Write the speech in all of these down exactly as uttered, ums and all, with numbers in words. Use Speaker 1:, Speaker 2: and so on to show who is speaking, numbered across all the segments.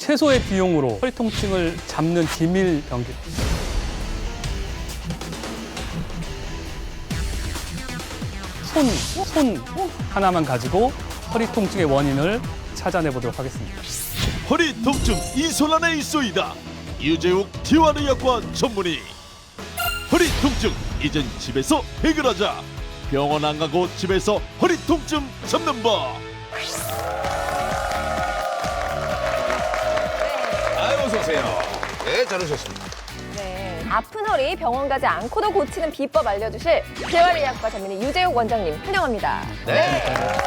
Speaker 1: 최소의 비용으로 허리 통증을 잡는 기밀 병기. 손, 손 하나만 가지고 허리 통증의 원인을 찾아내 보도록 하겠습니다.
Speaker 2: 허리 통증 이 손 안에 있소이다. 유재욱 티완의학과 전문의. 허리 통증 이젠 집에서 해결하자. 병원 안 가고 집에서 허리 통증 잡는 법.
Speaker 3: 아유, 어서 오세요. 네, 잘 오셨습니다.
Speaker 4: 네, 아픈 허리 병원 가지 않고도 고치는 비법 알려주실 재활의학과 전문의 유재욱 원장님 환영합니다.
Speaker 3: 네.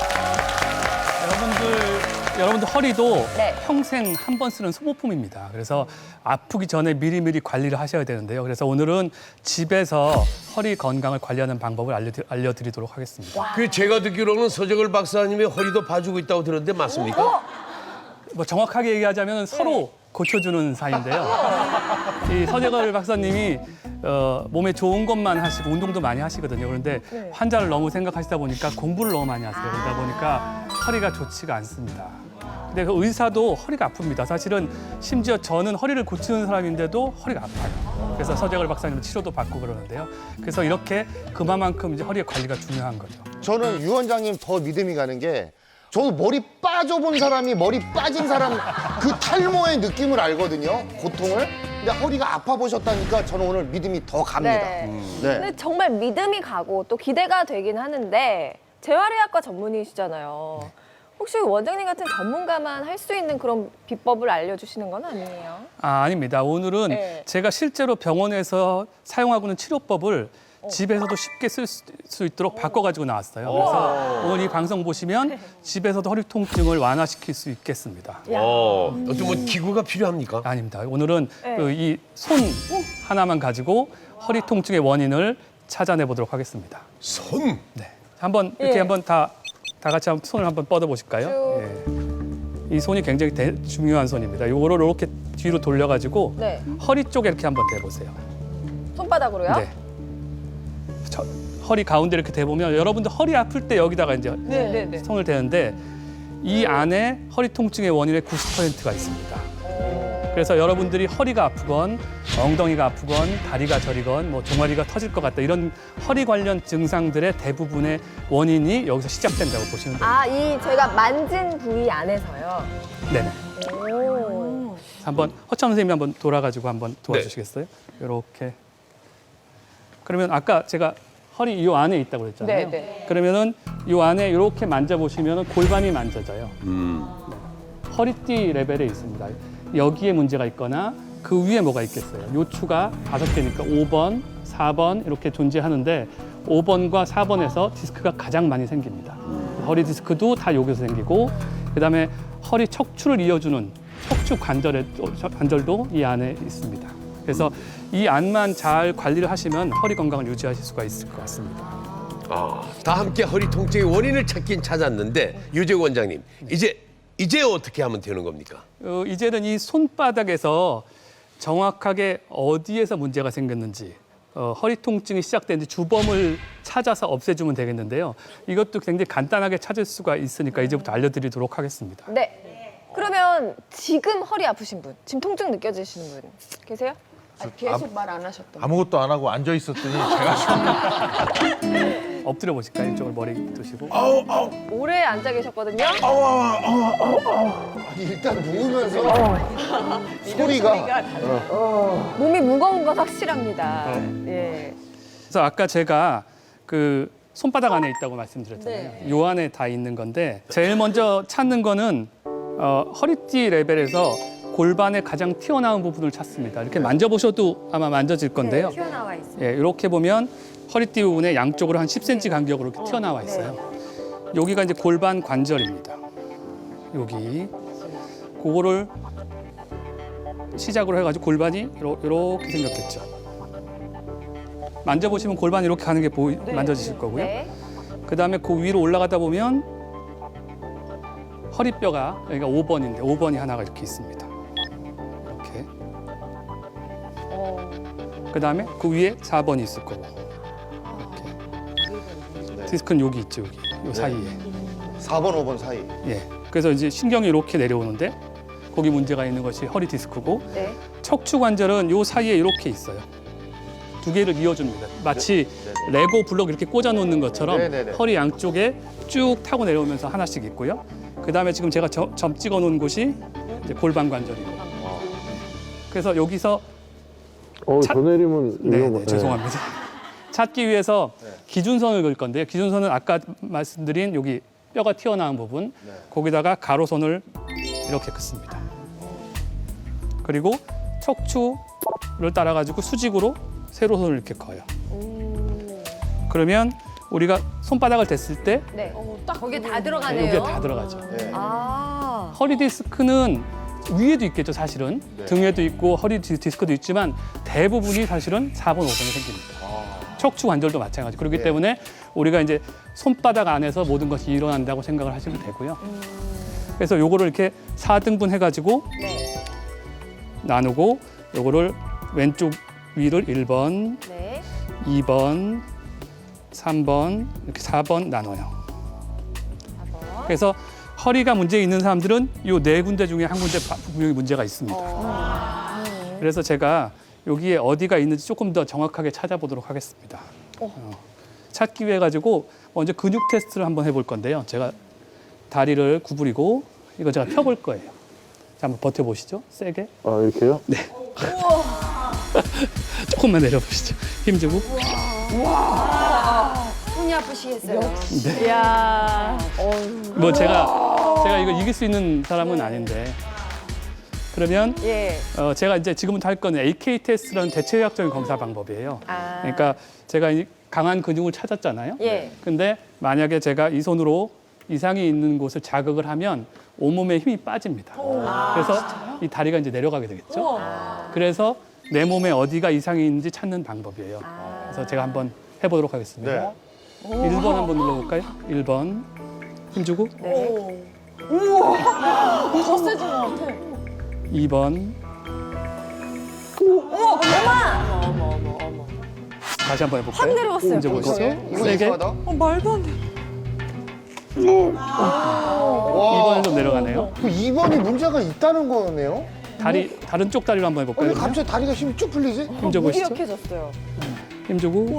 Speaker 1: 여러분들, 여러분들 허리도
Speaker 4: 네.
Speaker 1: 평생 한 번 쓰는 소모품입니다. 그래서 아프기 전에 미리미리 관리를 하셔야 되는데요. 그래서 오늘은 집에서 허리 건강을 관리하는 방법을 알려드, 알려드리도록 하겠습니다.
Speaker 3: 그 제가 듣기로는 서정을 박사님이 허리도 봐주고 있다고 들었는데 맞습니까?
Speaker 1: 뭐 정확하게 얘기하자면 서로 고쳐주는 사이인데요. 이 서재걸 박사님이 어, 몸에 좋은 것만 하시고 운동도 많이 하시거든요. 그런데
Speaker 4: 네.
Speaker 1: 환자를 너무 생각하시다 보니까 공부를 너무 많이 하세요. 그러다 보니까 허리가 좋지가 않습니다. 근데 그 의사도 허리가 아픕니다. 사실은 심지어 저는 허리를 고치는 사람인데도 허리가 아파요. 그래서 서재걸 박사님 치료도 받고 그러는데요. 그래서 이렇게 그만큼 이제 허리의 관리가 중요한 거죠.
Speaker 5: 저는 유 원장님 더 믿음이 가는 게 저도 머리 빠져본 사람이 머리 빠진 사람 그 탈모의 느낌을 알거든요. 고통을. 근데 허리가 아파 보셨다니까 저는 오늘 믿음이 더 갑니다.
Speaker 4: 네.
Speaker 5: 네.
Speaker 4: 근데 정말 믿음이 가고 또 기대가 되긴 하는데 재활의학과 전문의시잖아요. 혹시 원장님 같은 전문가만 할 수 있는 그런 비법을 알려주시는 건 아니에요?
Speaker 1: 아, 아닙니다. 오늘은
Speaker 4: 네.
Speaker 1: 제가 실제로 병원에서 사용하고 있는 치료법을 집에서도 쉽게 쓸 수 있도록 바꿔가지고 나왔어요. 그래서 오늘 이 방송 보시면 집에서도 허리 통증을 완화시킬 수 있겠습니다.
Speaker 3: 어, 어떤 뭐 기구가 필요합니까?
Speaker 1: 아닙니다. 오늘은
Speaker 4: 네.
Speaker 1: 그 이 손 하나만 가지고 허리 통증의 원인을 찾아내 보도록 하겠습니다.
Speaker 3: 손.
Speaker 1: 네. 한번 이렇게
Speaker 4: 예.
Speaker 1: 한번 다, 다 같이 한번 손을 한번 뻗어 보실까요? 예. 이 손이 굉장히 대, 중요한 손입니다. 요거를 이렇게 뒤로 돌려가지고
Speaker 4: 네.
Speaker 1: 허리 쪽에 이렇게 한번 대보세요.
Speaker 4: 손바닥으로요?
Speaker 1: 네. 저, 허리 가운데 이렇게 대보면 여러분들 허리 아플 때 여기다가 이제
Speaker 4: 네, 네, 네.
Speaker 1: 손을 대는데 이 안에 허리 통증의 원인의 구십 퍼센트가 있습니다. 그래서 여러분들이 허리가 아프건 엉덩이가 아프건 다리가 저리건 뭐 종아리가 터질 것 같다 이런 허리 관련 증상들의 대부분의 원인이 여기서 시작된다고 보시면 됩니다.
Speaker 4: 아, 이 저희가 만진 부위 안에서요.
Speaker 1: 네네.
Speaker 4: 오.
Speaker 1: 한번 허참 선생님이 한번 돌아가지고 한번 도와주시겠어요? 이렇게. 그러면 아까 제가 허리 이 안에 있다고 그랬잖아요.
Speaker 4: 네, 네.
Speaker 1: 그러면은 이 안에 이렇게 만져보시면 골반이 만져져요.
Speaker 3: 음.
Speaker 1: 허리띠 레벨에 있습니다. 여기에 문제가 있거나 그 위에 뭐가 있겠어요. 요추가 다섯 개니까 오 번, 사 번 이렇게 존재하는데 오 번과 사 번에서 디스크가 가장 많이 생깁니다. 허리 디스크도 다 여기서 생기고 그다음에 허리 척추를 이어주는 척추 관절에, 관절도 이 안에 있습니다. 그래서 이 안만 잘 관리를 하시면 허리 건강을 유지하실 수가 있을 것 같습니다.
Speaker 3: 아, 다 함께 허리 통증의 원인을 찾긴 찾았는데 유재욱 원장님, 이제 이제 어떻게 하면 되는 겁니까?
Speaker 1: 어, 이제는 이 손바닥에서 정확하게 어디에서 문제가 생겼는지 어, 허리 통증이 시작되는지 주범을 찾아서 없애주면 되겠는데요. 이것도 굉장히 간단하게 찾을 수가 있으니까 이제부터 알려드리도록 하겠습니다.
Speaker 4: 네. 그러면 지금 허리 아프신 분, 지금 통증 느껴지시는 분 계세요?
Speaker 6: 아니, 계속 말 안 하셨던
Speaker 7: 아무것도 안 하고 앉아 있었더니 제가 좀
Speaker 1: 엎드려 보실까요? 이쪽을 머리 두시고.
Speaker 7: 아우 아우
Speaker 4: 오래 앉아 계셨거든요.
Speaker 7: 아우 아우 아우
Speaker 5: 아니, 일단 누우면서 소리가
Speaker 4: 몸이 무거운 건 확실합니다. 예.
Speaker 1: 그래서 아까 제가 그 손바닥 안에 있다고 말씀드렸잖아요.
Speaker 4: 네.
Speaker 1: 요 안에 다 있는 건데 제일 먼저 찾는 거는 어, 허리띠 레벨에서 골반의 가장 튀어나온 부분을 찾습니다. 이렇게 만져보셔도 아마 만져질 건데요.
Speaker 4: 튀어나와 있어요.
Speaker 1: 예, 이렇게 보면 허리띠 부분에 양쪽으로 한 십 센티미터 간격으로 이렇게 튀어나와 있어요. 여기가 이제 골반 관절입니다. 여기. 그거를 시작으로 해가지고 골반이 이렇게 생겼겠죠. 만져보시면 골반이 이렇게 가는 게 보이, 만져지실 거고요.
Speaker 4: 네.
Speaker 1: 그 다음에 그 위로 올라가다 보면 허리뼈가 여기가 오 번인데 오 번이 하나가 이렇게 있습니다. 이렇게.
Speaker 4: 어.
Speaker 1: 그 다음에 그 위에 사 번이 있을 거고. 이렇게. 디스크는 여기 있죠, 여기. 요 사이에.
Speaker 5: 사 번, 오 번 사이.
Speaker 1: 예. 그래서 이제 신경이 이렇게 내려오는데 거기 문제가 있는 것이 허리 디스크고
Speaker 4: 네.
Speaker 1: 척추 관절은 요 사이에 이렇게 있어요. 두 개를 이어줍니다. 마치 레고 블록 이렇게 꽂아 놓는 것처럼
Speaker 5: 네, 네, 네.
Speaker 1: 허리 양쪽에 쭉 타고 내려오면서 하나씩 있고요. 그 다음에 지금 제가 점, 점 찍어 놓은 곳이 이제 골반 관절이고. 그래서 여기서
Speaker 8: 어,
Speaker 1: 차-
Speaker 8: 저 내리면
Speaker 1: 네,
Speaker 8: 위험해.
Speaker 1: 네, 죄송합니다. 찾기 위해서 기준선을 그을 건데요. 기준선은 아까 말씀드린 여기 뼈가 튀어나온 부분, 거기다가 가로선을 이렇게 긋습니다. 그리고 척추를 따라가지고 수직으로 세로선을 이렇게 그어요. 그러면 우리가 손바닥을 댔을 때
Speaker 4: 네. 딱 거기에 다 들어가네요.
Speaker 1: 여기에 다 들어가죠.
Speaker 5: 네.
Speaker 4: 아.
Speaker 1: 허리 디스크는 위에도 있겠죠, 사실은.
Speaker 5: 네.
Speaker 1: 등에도 있고 허리 디- 디스크도 있지만 대부분이 사실은 사 번, 오 번이 생깁니다. 척추 관절도 마찬가지. 그렇기
Speaker 5: 네.
Speaker 1: 때문에 우리가 이제 손바닥 안에서 모든 것이 일어난다고 생각을 하시면 되고요. 그래서 요거를 이렇게 사 등분 해가지고
Speaker 4: 네.
Speaker 1: 나누고 요거를 왼쪽 위를 일 번,
Speaker 4: 네.
Speaker 1: 이 번, 삼 번, 이렇게 사 번 나눠요.
Speaker 4: 사 번.
Speaker 1: 그래서 허리가 문제 있는 사람들은 요 네 군데 중에 한 군데 바- 분명히 문제가 있습니다. 그래서 제가 여기에 어디가 있는지 조금 더 정확하게 찾아보도록 하겠습니다. 어, 찾기 위해 가지고 먼저 근육 테스트를 한번 해볼 건데요. 제가 다리를 구부리고 이거 제가 펴볼 거예요. 자, 한번 버텨보시죠. 세게.
Speaker 8: 아, 이렇게요?
Speaker 1: 조금만 내려보시죠. 힘주고.
Speaker 6: 손이 아프시겠어요.
Speaker 4: 이야.
Speaker 1: 뭐 제가 제가 이거 이길 수 있는 사람은 아닌데. 그러면
Speaker 4: 예.
Speaker 1: 어, 제가 이제 지금부터 할 거는 에이케이 테스트라는 대체의학적인 검사 방법이에요.
Speaker 4: 아.
Speaker 1: 그러니까 제가 이 강한 근육을 찾았잖아요.
Speaker 4: 예.
Speaker 1: 근데 만약에 제가 이 손으로 이상이 있는 곳을 자극을 하면 온몸에 힘이 빠집니다. 그래서 이 다리가 이제 내려가게 되겠죠. 그래서 내 몸에 어디가 이상이 있는지 찾는 방법이에요. 그래서 제가 한번 해보도록 하겠습니다.
Speaker 5: 네.
Speaker 1: 일 번 한번 눌러볼까요? 일 번 힘주고.
Speaker 4: 네.
Speaker 6: 더 세진 것 같아.
Speaker 1: 이 번. 다시 한번 해볼까요?
Speaker 4: 확 내려왔어요.
Speaker 1: 힘줘보시죠.
Speaker 5: 이상해? 이거
Speaker 1: 세게.
Speaker 5: 이상하다.
Speaker 6: 어, 말도 안 돼.
Speaker 1: 이 번은 좀 내려가네요.
Speaker 5: 그 이 번이 문제가 있다는 거네요?
Speaker 1: 다리 다른 쪽 다리로 한번
Speaker 5: 어, 왜
Speaker 1: 해볼까요?
Speaker 5: 갑자기 다리가 힘이 쭉 풀리지?
Speaker 1: 힘줘보시죠.
Speaker 4: 무기력해졌어요.
Speaker 1: 힘주고.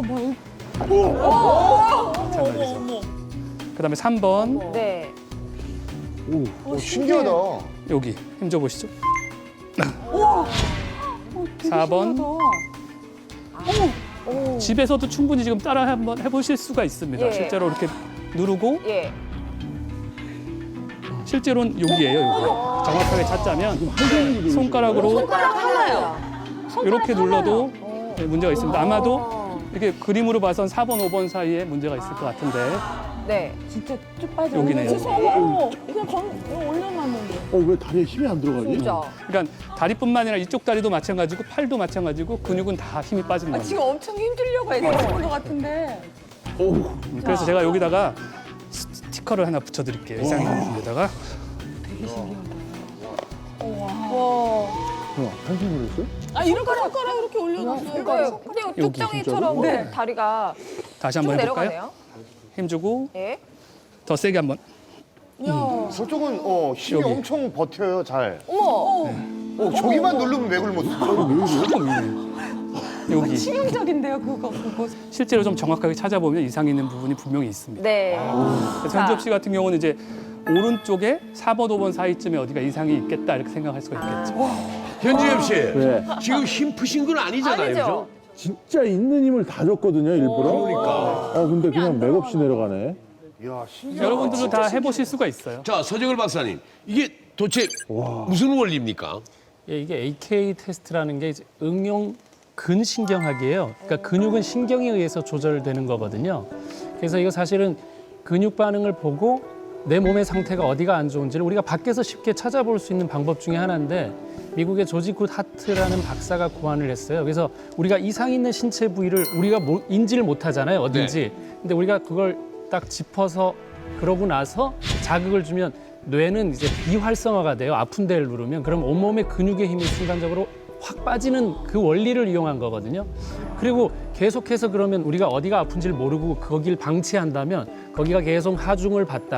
Speaker 1: 마찬가지죠. 그다음에 삼 번
Speaker 4: 네.
Speaker 5: 오, 신기하다.
Speaker 1: 여기 힘줘보시죠. 사 번. 집에서도 충분히 지금 따라 한번 해보실 수가 있습니다.
Speaker 4: 예.
Speaker 1: 실제로 이렇게 누르고
Speaker 4: 예.
Speaker 1: 실제로는 여기예요. 여기. 정확하게 찾자면 손가락으로
Speaker 4: 손가락 하나요.
Speaker 1: 이렇게 눌러도 네, 문제가 있습니다. 아마도 이렇게 그림으로 봐선 사 번, 오 번 사이에 문제가 있을 것 같은데
Speaker 4: 네.
Speaker 6: 진짜 쭉 빠져.
Speaker 1: 여기네요.
Speaker 6: 어머, 그냥 건 올려놨는데.
Speaker 8: 어, 왜 다리에 힘이 안 들어가지?
Speaker 4: 진짜.
Speaker 1: 그러니까 다리뿐만 아니라 이쪽 다리도 마찬가지고 팔도 마찬가지고 근육은 다 힘이 빠지는
Speaker 6: 아,
Speaker 1: 겁니다.
Speaker 6: 지금 엄청 힘들려고 애쓰는 것 같은데.
Speaker 1: 음, 그래서 제가 여기다가 스티커를 하나 붙여드릴게요. 이상이 있는 데다가.
Speaker 8: 어, 한숨을 했어요?
Speaker 6: 아, 이렇게 손가락 이렇게 올려놨어요.
Speaker 4: 이거요. 그냥 뚝정이처럼
Speaker 6: 네.
Speaker 4: 다리가
Speaker 1: 다시
Speaker 4: 쭉
Speaker 1: 한번 해볼까요?
Speaker 4: 내려가네요.
Speaker 1: 힘주고
Speaker 4: 예.
Speaker 1: 더 세게 한번.
Speaker 5: 저쪽은 어, 힘이
Speaker 1: 여기.
Speaker 5: 엄청 버텨요, 잘.
Speaker 4: 어머.
Speaker 5: 어, 저기만 누르면 왜 굶었어?
Speaker 1: 조금 위에. 여기
Speaker 6: 치명적인데요, 그거, 그거.
Speaker 1: 실제로 좀 정확하게 찾아보면 이상이 있는 부분이 분명히 있습니다.
Speaker 4: 네.
Speaker 1: 그래서 현주엽 씨 같은 경우는 이제 오른쪽에 사 번, 오 번 사이쯤에 어디가 이상이 있겠다 이렇게 생각할 수가 있겠죠.
Speaker 3: 현주엽 씨,
Speaker 8: 네.
Speaker 3: 지금 힘 푸신 건 아니잖아요,
Speaker 4: 아니죠.
Speaker 3: 그죠?
Speaker 8: 진짜 있는 힘을 다 줬거든요, 일부러.
Speaker 3: 그러니까.
Speaker 8: 아, 근데 그냥 맥없이 내려가네.
Speaker 5: 이야, 신기하다.
Speaker 1: 여러분들도 다 해보실 수가 있어요.
Speaker 3: 자, 서정을 박사님, 이게 도대체 무슨 원리입니까?
Speaker 9: 예, 이게 에이케이 테스트라는 게 이제 응용 근신경학이에요. 그러니까 근육은 신경에 의해서 조절되는 거거든요. 그래서 이거 사실은 근육 반응을 보고 내 몸의 상태가 어디가 안 좋은지를 우리가 밖에서 쉽게 찾아볼 수 있는 방법 중에 하나인데 미국의 조지 굿 하트라는 박사가 고안을 했어요. 그래서 우리가 이상 있는 신체 부위를 우리가 모- 인지를 못하잖아요, 어딘지. 근데 우리가 그걸 딱 짚어서 그러고 나서 자극을 주면 뇌는 이제 비활성화가 돼요. 아픈 데를 누르면. 그럼 온몸의 근육의 힘이 순간적으로 확 빠지는 그 원리를 이용한 거거든요. 그리고 계속해서 그러면 우리가 어디가 아픈지를 모르고 거기를 방치한다면 거기가 계속 하중을 받다가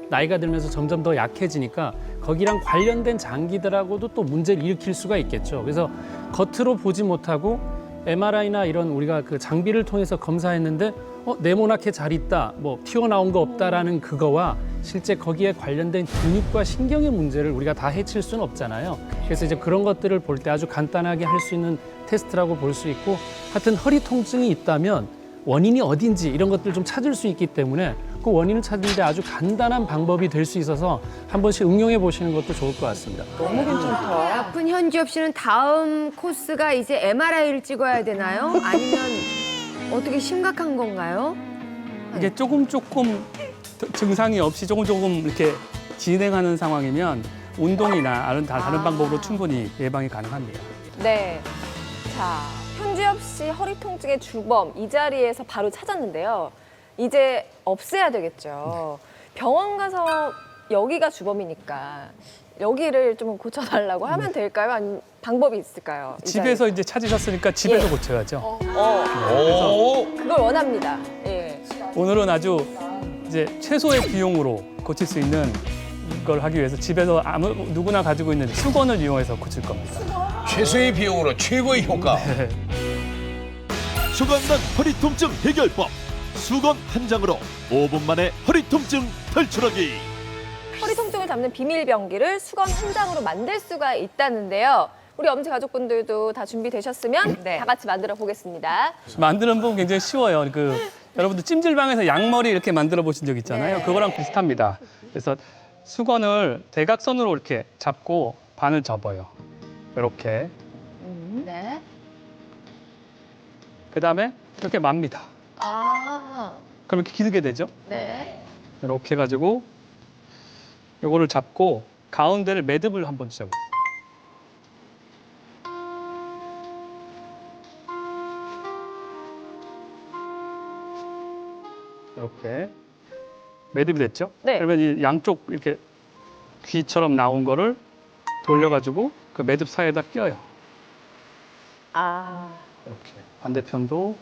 Speaker 9: 나이가 들면서 점점 더 약해지니까 거기랑 관련된 장기들하고도 또 문제를 일으킬 수가 있겠죠. 그래서 겉으로 보지 못하고 엠알아이나 이런 우리가 그 장비를 통해서 검사했는데 어, 네모나게 잘 있다, 뭐 튀어나온 거 없다라는 그거와 실제 거기에 관련된 근육과 신경의 문제를 우리가 다 해칠 수는 없잖아요. 그래서 이제 그런 것들을 볼 때 아주 간단하게 할 수 있는 테스트라고 볼 수 있고, 하여튼 허리 통증이 있다면 원인이 어딘지 이런 것들을 좀 찾을 수 있기 때문에 그 원인을 찾는 데 아주 간단한 방법이 될 수 있어서 한 번씩 응용해 보시는 것도 좋을 것 같습니다.
Speaker 10: 아픈 현지엽 씨는 다음 코스가 이제 엠알아이를 찍어야 되나요? 아니면 어떻게 심각한 건가요?
Speaker 1: 이게 조금 조금 증상이 없이 조금 조금 이렇게 진행하는 상황이면 운동이나 다른 다른 방법으로 충분히 예방이 가능합니다.
Speaker 4: 네. 자, 현지엽 씨 허리 통증의 주범 이 자리에서 바로 찾았는데요. 이제 없애야 되겠죠. 병원 가서 여기가 주범이니까 여기를 좀 고쳐달라고 하면 될까요? 아니면 방법이 있을까요? 이
Speaker 1: 집에서 이제 찾으셨으니까 집에서
Speaker 4: 예.
Speaker 1: 고쳐야죠.
Speaker 4: 어, 어, 그걸 원합니다. 예.
Speaker 1: 오늘은 아주 이제 최소의 비용으로 고칠 수 있는 걸 하기 위해서 집에서 아무 누구나 가지고 있는 수건을 이용해서 고칠 겁니다.
Speaker 3: 최소의 비용으로 최고의 효과.
Speaker 2: 수건난 허리 통증 해결법. 수건 한 장으로 오 분 만에 허리 통증 탈출하기.
Speaker 4: 허리 통증을 잡는 비밀 병기를 수건 한 장으로 만들 수가 있다는데요. 우리 엄지 가족분들도 다 준비되셨으면
Speaker 10: 네.
Speaker 4: 다 같이 만들어 보겠습니다.
Speaker 1: 만드는 법 굉장히 쉬워요. 그 여러분들 찜질방에서 양머리 이렇게 만들어 보신 적 있잖아요.
Speaker 4: 네.
Speaker 1: 그거랑 비슷합니다. 그래서 수건을 대각선으로 이렇게 잡고 반을 접어요. 이렇게.
Speaker 10: 네.
Speaker 1: 그다음에 이렇게 맙니다.
Speaker 10: 아,
Speaker 1: 그럼 이렇게 길게 되죠?
Speaker 10: 네.
Speaker 1: 이렇게 해가지고 요거를 잡고 가운데를 매듭을 한번 잡아요. 이렇게 매듭이 됐죠?
Speaker 4: 네.
Speaker 1: 그러면 이 양쪽 이렇게 귀처럼 나온 거를 돌려가지고 그 매듭 사이에다 끼워요.
Speaker 4: 아,
Speaker 1: 이렇게 반대편도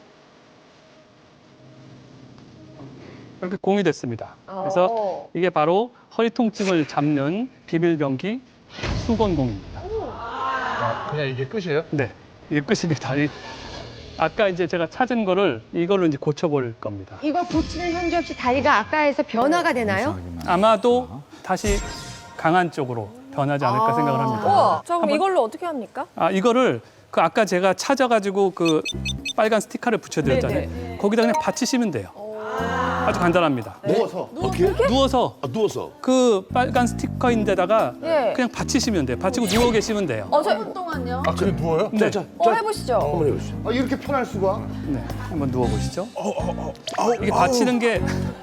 Speaker 1: 이렇게 공이 됐습니다. 그래서
Speaker 4: 어.
Speaker 1: 이게 바로 허리 통증을 잡는 비밀병기 수건공입니다.
Speaker 7: 아, 그냥 이게 끝이에요?
Speaker 1: 네, 이게 끝입니다. 이- 아까 이제 제가 찾은 거를 이걸로 이제 고쳐볼 겁니다.
Speaker 10: 이거 고치는 현지엽 씨 다리가 아까에서 변화가 되나요?
Speaker 1: 아마도 다시 강한 쪽으로 변하지 않을까 생각을 합니다.
Speaker 4: 우와, 자 그럼
Speaker 1: 한번-
Speaker 4: 이걸로 어떻게 합니까?
Speaker 1: 아 이거를 그 아까 제가 찾아가지고 그 빨간 스티커를 붙여드렸잖아요.
Speaker 4: 네네.
Speaker 1: 거기다 그냥 받치시면 돼요. 아주 간단합니다.
Speaker 5: 누워서.
Speaker 1: 누워서
Speaker 3: 아, 누워서.
Speaker 1: 그 빨간 스티커인데다가
Speaker 4: 예.
Speaker 1: 그냥 받치시면 돼요. 받치고 누워 계시면 돼요.
Speaker 4: 어, 저,
Speaker 7: 아, 그래 누워요?
Speaker 1: 네,
Speaker 4: 어, 해보시죠.
Speaker 3: 한번 해보시죠.
Speaker 5: 아, 이렇게 편할 수가?
Speaker 1: 네, 한번 누워 보시죠. 이게 받치는 게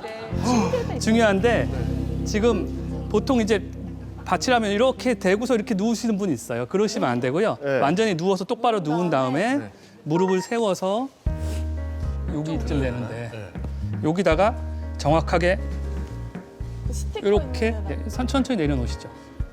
Speaker 1: 중요한데 지금 보통 이제 받치려면 이렇게 대고서 이렇게 누우시는 분이 있어요. 그러시면 안 되고요.
Speaker 5: 네.
Speaker 1: 완전히 누워서 똑바로 누운 다음에 무릎을 세워서 여기쯤 되는데 여기다가 정확하게 이렇게 네, 천천히 내려놓으시죠.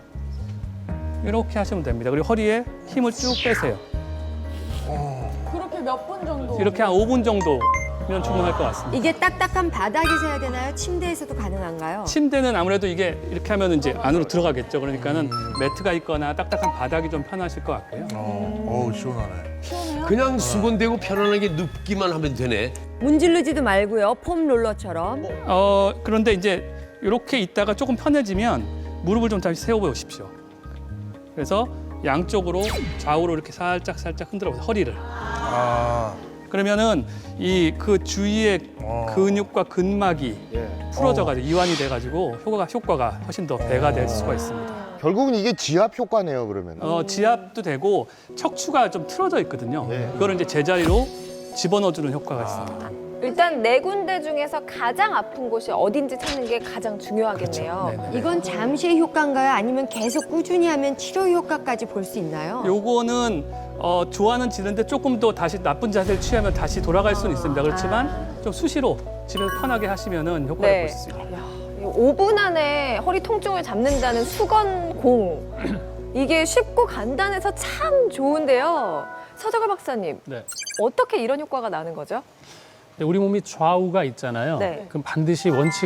Speaker 1: 이렇게 하시면 됩니다. 그리고 허리에 힘을 쭉 빼세요.
Speaker 6: 그렇게 몇 분 정도?
Speaker 1: 이렇게 한 오 분 정도면 충분할 것 같습니다.
Speaker 10: 이게 딱딱한 바닥에서 해야 되나요? 침대에서도 가능한가요?
Speaker 1: 침대는 아무래도 이게 이렇게 하면 이제 안으로 들어가겠죠. 그러니까는 매트가 있거나 딱딱한 바닥이 좀 편하실 것 같고요.
Speaker 7: 어, 어우 시원하네.
Speaker 3: 그냥 수건대고 편안하게 눕기만 하면 되네.
Speaker 10: 문지르지도 말고요. 폼 롤러처럼.
Speaker 1: 어 그런데 이제 이렇게 있다가 조금 편해지면 무릎을 좀 다시 세워 보십시오. 그래서 양쪽으로 좌우로 이렇게 살짝 살짝 흔들어 보세요. 허리를.
Speaker 7: 아,
Speaker 1: 그러면은 이 그 주위의
Speaker 7: 어.
Speaker 1: 근육과 근막이
Speaker 5: 예.
Speaker 1: 풀어져가지고 이완이 돼가지고 효과가 효과가 훨씬 더 배가 될 수가 있습니다.
Speaker 5: 결국은 이게 지압 효과네요, 그러면.
Speaker 1: 어, 지압도 되고 척추가 좀 틀어져 있거든요.
Speaker 5: 네.
Speaker 1: 그거를 이제 제자리로 집어넣어주는 효과가 있습니다.
Speaker 4: 일단 네 군데 중에서 가장 아픈 곳이 어딘지 찾는 게 가장 중요하겠네요.
Speaker 1: 그렇죠. 네네.
Speaker 10: 이건 잠시의 효과인가요? 아니면 계속 꾸준히 하면 치료 효과까지 볼 수 있나요?
Speaker 1: 요거는 어, 좋아는 지는데 조금 더 다시 나쁜 자세를 취하면 다시 돌아갈 수는 있습니다. 그렇지만 좀 수시로 집에서 편하게 하시면은 효과를
Speaker 4: 네.
Speaker 1: 볼 수 있습니다.
Speaker 4: 오 분 안에 허리 통증을 잡는다는 수건공. 이게 쉽고 간단해서 참 좋은데요. 서정을 박사님,
Speaker 9: 네.
Speaker 4: 어떻게 이런 효과가 나는 거죠?
Speaker 9: 근데 우리 몸이 좌우가 있잖아요.
Speaker 4: 네.
Speaker 9: 그럼 반드시 원칙은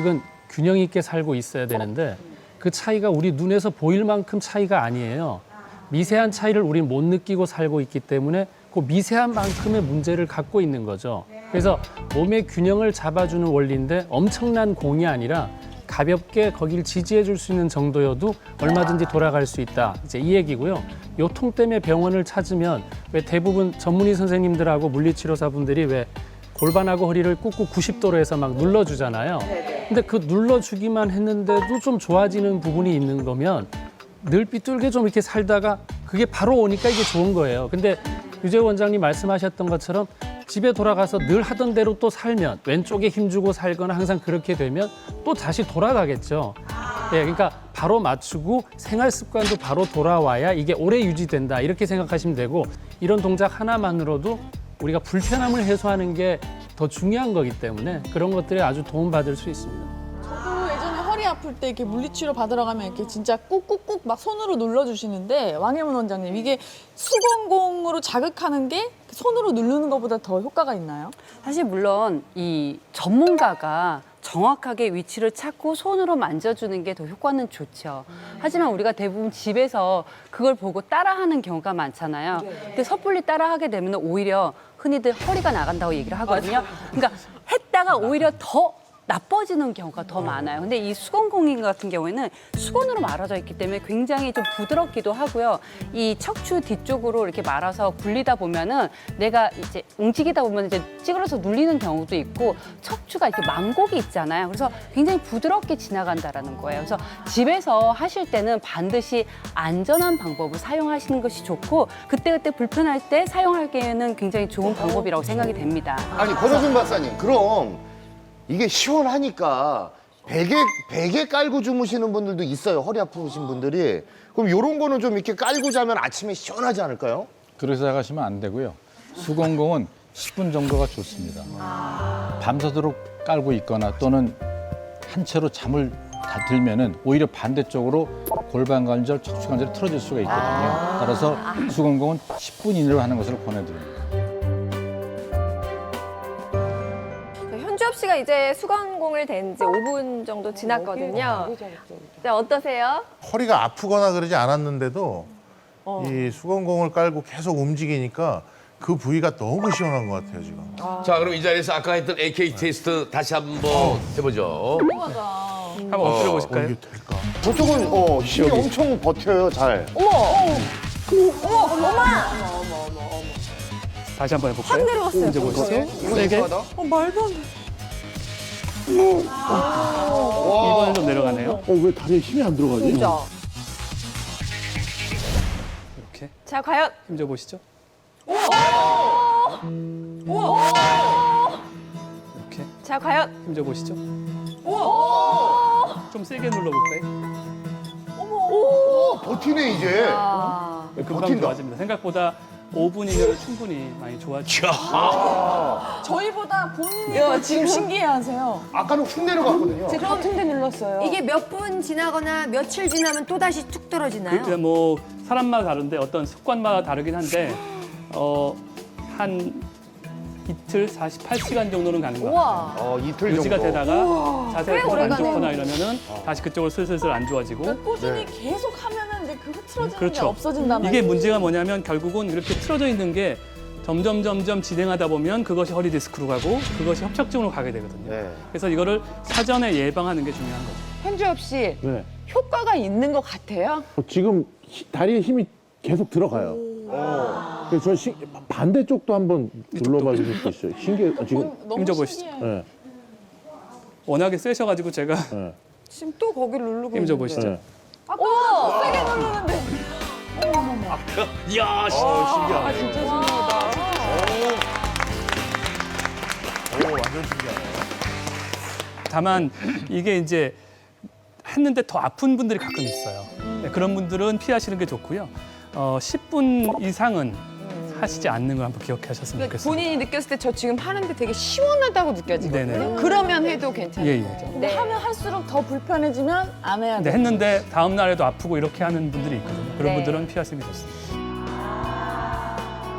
Speaker 9: 균형 있게 살고 있어야 되는데 그 차이가 우리 눈에서 보일 만큼 차이가 아니에요. 미세한 차이를 우리는 못 느끼고 살고 있기 때문에 그 미세한 만큼의 문제를 갖고 있는 거죠. 그래서 몸의 균형을 잡아주는 원리인데 엄청난 공이 아니라 가볍게 거기를 지지해 줄 수 있는 정도여도 얼마든지 돌아갈 수 있다. 이제 이 얘기고요. 요통 때문에 병원을 찾으면 왜 대부분 전문의 선생님들하고 물리치료사분들이 왜 골반하고 허리를 꾹꾹 구십 도로 해서 막 눌러주잖아요. 근데 그 눌러주기만 했는데도 좀 좋아지는 부분이 있는 거면 늘 삐뚤게 좀 이렇게 살다가 그게 바로 오니까 이게 좋은 거예요. 근데 유재호 원장님 말씀하셨던 것처럼 집에 돌아가서 늘 하던 대로 또 살면 왼쪽에 힘주고 살거나 항상 그렇게 되면 또 다시 돌아가겠죠. 예, 그러니까 바로 맞추고 생활 습관도 바로 돌아와야 이게 오래 유지된다 이렇게 생각하시면 되고 이런 동작 하나만으로도 우리가 불편함을 해소하는 게 더 중요한 거기 때문에 그런 것들에 아주 도움받을 수 있습니다.
Speaker 6: 저도 예전에 허리 아플 때 이렇게 물리치료 받으러 가면 이렇게 진짜 꾹꾹꾹 막 손으로 눌러주시는데 왕혜문 원장님 이게 수건공으로 자극하는 게 손으로 누르는 것보다 더 효과가 있나요?
Speaker 11: 사실 물론 이 전문가가 정확하게 위치를 찾고 손으로 만져주는 게 더 효과는 좋죠. 하지만 우리가 대부분 집에서 그걸 보고 따라하는 경우가 많잖아요. 근데 섣불리 따라하게 되면 오히려 흔히들 허리가 나간다고 얘기를 하거든요. 그러니까 했다가 오히려 더 나빠지는 경우가 더 많아요. 근데 이 수건공인 같은 경우에는 수건으로 말아져 있기 때문에 굉장히 좀 부드럽기도 하고요. 이 척추 뒤쪽으로 이렇게 말아서 굴리다 보면은 내가 이제 움직이다 보면 이제 찌그러서 눌리는 경우도 있고 척추가 이렇게 망곡이 있잖아요. 그래서 굉장히 부드럽게 지나간다라는 거예요. 그래서 집에서 하실 때는 반드시 안전한 방법을 사용하시는 것이 좋고 그때그때 불편할 때 사용하기에는 굉장히 좋은 방법이라고 생각이 됩니다.
Speaker 5: 아니 권호준 박사님 그럼 이게 시원하니까 베개 베개 깔고 주무시는 분들도 있어요. 허리 아프신 분들이. 그럼 이런 거는 좀 이렇게 깔고 자면 아침에 시원하지 않을까요?
Speaker 7: 그렇게 생각하시면 안 되고요. 수건공은 십 분 정도가 좋습니다. 밤새도록 깔고 있거나 또는 한 채로 잠을 다 들면은 오히려 반대쪽으로 골반 관절, 척추 관절이 틀어질 수가 있거든요. 따라서 수건공은 십 분 이내로 하는 것을 권해드립니다.
Speaker 4: 현주엽 씨가 이제 수건공을 댄 지 오 분 정도 지났거든요. 자, 어떠세요?
Speaker 12: 허리가 아프거나 그러지 않았는데도 이 수건공을 깔고 계속 움직이니까 그 부위가 너무 시원한 것 같아요 지금.
Speaker 3: 자, 그럼 이 자리에서 아까 했던 에이케이 테스트 다시 한번 해보죠.
Speaker 1: 한번 엎드려 보실까요?
Speaker 12: 어, 이게 될까?
Speaker 5: 저쪽은 어, 힘이 엄청 버텨요 잘.
Speaker 1: 다시 한번 해볼까요?
Speaker 4: 확 내려갔어요.
Speaker 1: 이제 보시죠. 세게.
Speaker 6: 어, 말도 안 돼.
Speaker 1: 이번엔 좀 내려가네요.
Speaker 8: 어, 왜 다리에 힘이 안 들어가지?
Speaker 1: 이렇게
Speaker 4: 자, 과연
Speaker 1: 힘줘 보시죠. 이렇게
Speaker 4: 자, 과연
Speaker 1: 힘줘 보시죠. 좀 세게 눌러볼까요?
Speaker 5: 버티네 이제.
Speaker 1: 금방
Speaker 5: 버틴다.
Speaker 1: 좋아집니다. 생각보다 오 분 이내로 충분히 많이 좋아지죠.
Speaker 6: 저희보다 본인이 지금 신기해하세요.
Speaker 5: 아까는 훅 내려갔거든요.
Speaker 6: 제가 같은 데 눌렀어요.
Speaker 10: 이게 몇 분 지나거나 며칠 지나면 또 다시 툭 떨어지나요?
Speaker 1: 그, 뭐 사람마다 다른데 어떤 습관마다 다르긴 한데 어, 한 이틀 사십팔 시간 정도는 가는 것 같아요.
Speaker 5: 어, 이틀
Speaker 1: 유지가
Speaker 5: 정도.
Speaker 1: 되다가 자세가 계속
Speaker 4: 오래
Speaker 1: 안
Speaker 4: 가네요.
Speaker 1: 좋거나 이러면은 다시 그쪽으로 슬슬슬 안 좋아지고.
Speaker 6: 꾸준히 계속 하면은 이제 그 흐트러지는 게
Speaker 1: 그렇죠.
Speaker 6: 없어진단 말이에요.
Speaker 1: 이게 문제가 뭐냐면 결국은 이렇게 틀어져 있는 게 점점 점점 진행하다 보면 그것이 허리 디스크로 가고 그것이 협착증으로 가게 되거든요.
Speaker 5: 네.
Speaker 1: 그래서 이거를 사전에 예방하는 게 중요한 거죠.
Speaker 6: 현주엽 씨
Speaker 8: 네.
Speaker 6: 효과가 있는 것 같아요?
Speaker 8: 어, 지금 히- 다리에 힘이 계속 들어가요. 그래서 저 시, 반대쪽도 한번 눌러봐 주실 수 있어요. 신기해. 어, 지금.
Speaker 6: 너무
Speaker 1: 힘줘 보시죠.
Speaker 6: 신기해.
Speaker 8: 네,
Speaker 1: 워낙에 세셔가지고 제가
Speaker 8: 네,
Speaker 6: 지금 또 거기를 누르고
Speaker 1: 힘줘
Speaker 6: 있는데.
Speaker 1: 보시죠.
Speaker 8: 네.
Speaker 6: 아까 세게 누르는데.
Speaker 3: 이야, 씨.
Speaker 6: 아 진짜 신기하다.
Speaker 12: 오, 완전 신기하네.
Speaker 1: 다만 이게 이제 했는데 더 아픈 분들이 가끔 있어요. 네, 그런 분들은 피하시는 게 좋고요. 어, 십 분 이상은 하시지 않는 걸 한번 기억하셨으면 좋겠어요.
Speaker 6: 본인이 느꼈을 때 저 지금 하는데 되게 시원하다고 느껴지거든요.
Speaker 1: 네네.
Speaker 6: 그러면 해도 괜찮아요.
Speaker 1: 예, 예.
Speaker 6: 근데 하면 할수록 더 불편해지면 안 해야
Speaker 1: 근데
Speaker 6: 돼.
Speaker 1: 했는데 다음 날에도 아프고 이렇게 하는 분들이 있거든요. 그런
Speaker 4: 네.
Speaker 1: 분들은 피하시는 게 좋습니다.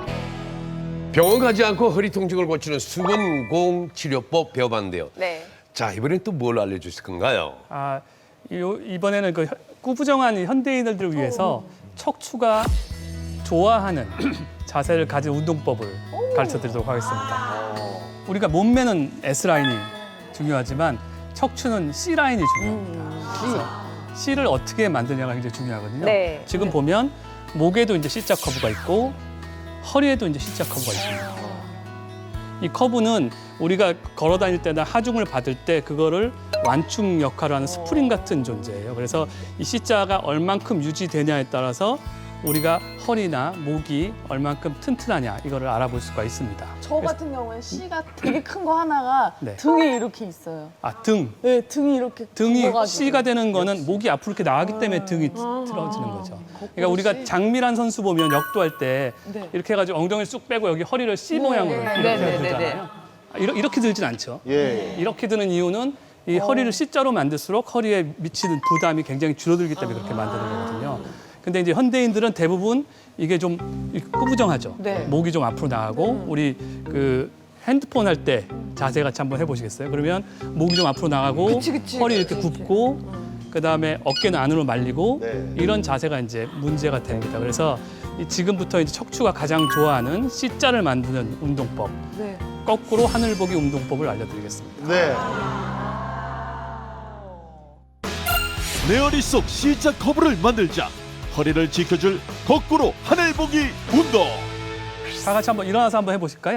Speaker 3: 병원 가지 않고 허리 통증을 고치는 수건공 치료법 배워봤는데요.
Speaker 4: 네.
Speaker 3: 자, 이번엔 또 뭘 알려주실 건가요?
Speaker 1: 아, 요- 이번에는 그 현- 꾸부정한 현대인들을 위해서 척추가 좋아하는 자세를 가진 운동법을 가르쳐 드리도록 하겠습니다. 우리가 몸매는 S라인이 중요하지만 척추는 C라인이 중요합니다. 그래서 C를 어떻게 만드냐가 굉장히 중요하거든요.
Speaker 4: 네.
Speaker 1: 지금 보면 목에도 이제 C자 커브가 있고 허리에도 이제 C자 커브가 있습니다. 이 커브는 우리가 걸어 다닐 때나 하중을 받을 때 그거를 완충 역할을 하는 스프링 같은 존재예요. 그래서 이 C자가 얼만큼 유지되냐에 따라서 우리가 허리나 목이 얼만큼 튼튼하냐 이거를 알아볼 수가 있습니다.
Speaker 6: 저 같은 경우에 C가 되게 큰 거 하나가
Speaker 1: 네.
Speaker 6: 등에 이렇게 있어요.
Speaker 1: 아, 등.
Speaker 6: 네, 등이 이렇게
Speaker 1: 등이
Speaker 6: 굵어가지고.
Speaker 1: C가 되는 거는 목이 앞으로 이렇게 나가기 때문에 등이 틀어지는 거죠. 그러니까 우리가 장미란 선수 보면 역도할 때
Speaker 6: 네.
Speaker 1: 이렇게 해가지고 엉덩이를 쑥 빼고 여기 허리를 C 모양으로
Speaker 11: 네,
Speaker 1: 이렇게
Speaker 11: 네, 네,
Speaker 1: 들잖아요. 아, 이러- 이렇게 들진 않죠.
Speaker 5: 예.
Speaker 1: 이렇게 드는 이유는 이 허리를 C자로 만들수록 허리에 미치는 부담이 굉장히 줄어들기 때문에 그렇게 만드는 거거든요. 근데 이제 현대인들은 대부분 이게 좀 꾸부정하죠.
Speaker 6: 네.
Speaker 1: 목이 좀 앞으로 나가고 우리 그 핸드폰 할 때 자세 같이 한번 해보시겠어요? 그러면 목이 좀 앞으로 나가고 허리 이렇게 굽고 그다음에 어깨는 안으로 말리고
Speaker 5: 네.
Speaker 1: 이런 자세가 이제 문제가 됩니다. 그래서 이 지금부터 이제 척추가 가장 좋아하는 C자를 만드는 운동법,
Speaker 6: 네.
Speaker 1: 거꾸로 하늘 보기 운동법을 알려드리겠습니다.
Speaker 5: 네.
Speaker 2: 내 허리 속 C자 커브를 만들자. 허리를 지켜줄 거꾸로 하늘 보기 운동.
Speaker 1: 다 같이 한번 일어나서 한번 해보실까요?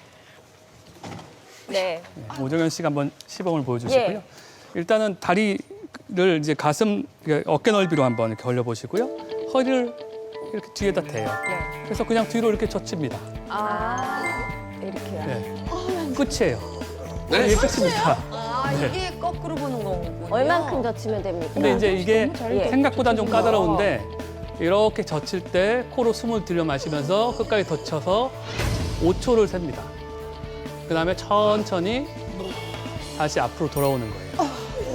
Speaker 4: 네.
Speaker 1: 오정현 씨가 한번 시범을 보여주시고요.
Speaker 4: 예.
Speaker 1: 일단은 다리를 이제 가슴, 그러니까 어깨 넓이로 한번 이렇게 올려보시고요. 허리를 이렇게 뒤에다 대요.
Speaker 4: 네.
Speaker 1: 그래서 그냥 뒤로 이렇게 젖힙니다.
Speaker 4: 아, 이렇게요.
Speaker 1: 네. 끝이에요.
Speaker 3: 네?
Speaker 1: 이게 끝입니다.
Speaker 10: 아,
Speaker 1: 네.
Speaker 10: 이게 거꾸로 보는 거군요.
Speaker 4: 얼만큼 젖히면 됩니까?
Speaker 1: 근데 이제 이게
Speaker 4: 예.
Speaker 1: 생각보다 좀 까다로운데 이렇게 젖힐 때 코로 숨을 들여 마시면서 끝까지 젖혀서 오 초를 셉니다. 그다음에 천천히 다시 앞으로 돌아오는 거예요.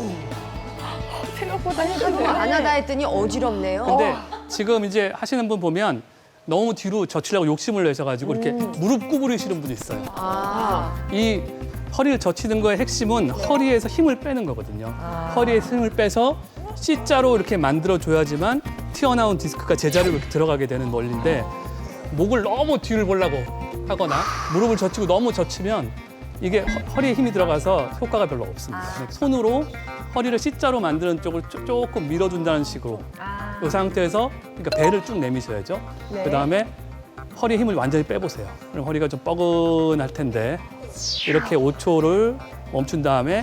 Speaker 6: 생각보다
Speaker 10: 안
Speaker 6: 힘든데.
Speaker 10: 하다 했더니 어지럽네요.
Speaker 1: 근데 지금 이제 하시는 분 보면 너무 뒤로 젖히려고 욕심을 내셔가지고 이렇게 무릎 구부리시는 분이 있어요.
Speaker 10: 아,
Speaker 1: 이 허리를 젖히는 거의 핵심은 허리에서 힘을 빼는 거거든요. 허리에서 힘을 빼서 C자로 이렇게 만들어줘야지만 튀어나온 디스크가 제자리로 이렇게 들어가게 되는 원리인데 목을 너무 뒤를 보려고 하거나 무릎을 젖히고 너무 젖히면 이게 허- 허리에 힘이 들어가서 효과가 별로 없습니다. 손으로 허리를 C자로 만드는 쪽을 쪼- 조금 밀어준다는 식으로 이 상태에서 그러니까 배를 쭉 내미셔야죠.
Speaker 4: 네.
Speaker 1: 그다음에 허리 힘을 완전히 빼보세요. 그럼 허리가 좀 뻐근할 텐데 이렇게 오 초를 멈춘 다음에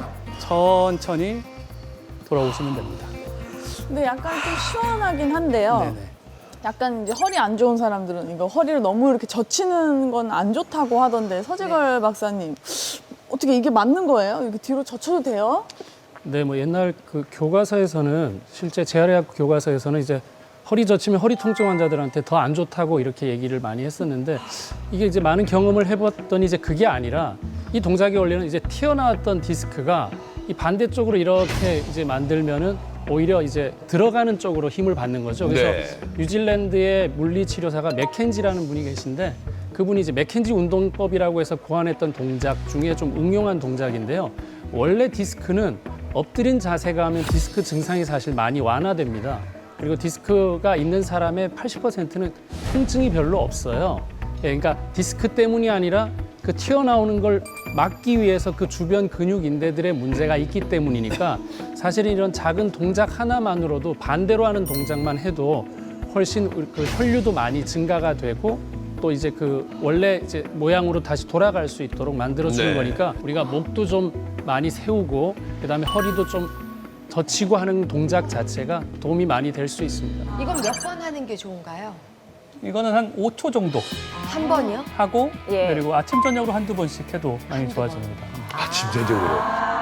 Speaker 1: 천천히 돌아오시면 됩니다.
Speaker 6: 근데 약간 좀 시원하긴 한데요.
Speaker 1: 네네.
Speaker 6: 약간 이제 허리 안 좋은 사람들은 이거 허리를 너무 이렇게 젖히는 건 안 좋다고 하던데 서재걸 박사님 어떻게 이게 맞는 거예요? 이렇게 뒤로 젖혀도 돼요?
Speaker 9: 네, 뭐 옛날 그 교과서에서는 실제 재활의학 교과서에서는 이제 허리 젖히면 허리 통증 환자들한테 더 안 좋다고 이렇게 얘기를 많이 했었는데 이게 이제 많은 경험을 해봤더니 이제 그게 아니라 이 동작의 원리는 이제 튀어나왔던 디스크가 이 반대쪽으로 이렇게 이제 만들면은 오히려 이제 들어가는 쪽으로 힘을 받는 거죠. 그래서
Speaker 3: 네.
Speaker 9: 뉴질랜드의 물리치료사가 맥켄지라는 분이 계신데 그분이 이제 맥켄지 운동법이라고 해서 고안했던 동작 중에 좀 응용한 동작인데요. 원래 디스크는 엎드린 자세가 하면 디스크 증상이 사실 많이 완화됩니다. 그리고 디스크가 있는 사람의 팔십 퍼센트는 통증이 별로 없어요. 예, 그러니까 디스크 때문이 아니라 그 튀어나오는 걸 막기 위해서 그 주변 근육 인대들의 문제가 있기 때문이니까 사실은 이런 작은 동작 하나만으로도 반대로 하는 동작만 해도 훨씬 그 혈류도 많이 증가가 되고 또 이제 그 원래 이제 모양으로 다시 돌아갈 수 있도록 만들어주는
Speaker 3: 네.
Speaker 9: 거니까 우리가 목도 좀 많이 세우고 그다음에 허리도 좀 젖히고 하는 동작 자체가 도움이 많이 될 수 있습니다.
Speaker 10: 이건 몇 번 하는 게 좋은가요?
Speaker 1: 이거는 한 오 초 정도
Speaker 10: 한 번이요?
Speaker 1: 하고
Speaker 4: 예.
Speaker 1: 그리고 아침 저녁으로 한두 번씩 해도 많이 좋아집니다.
Speaker 3: 아침 저녁으로.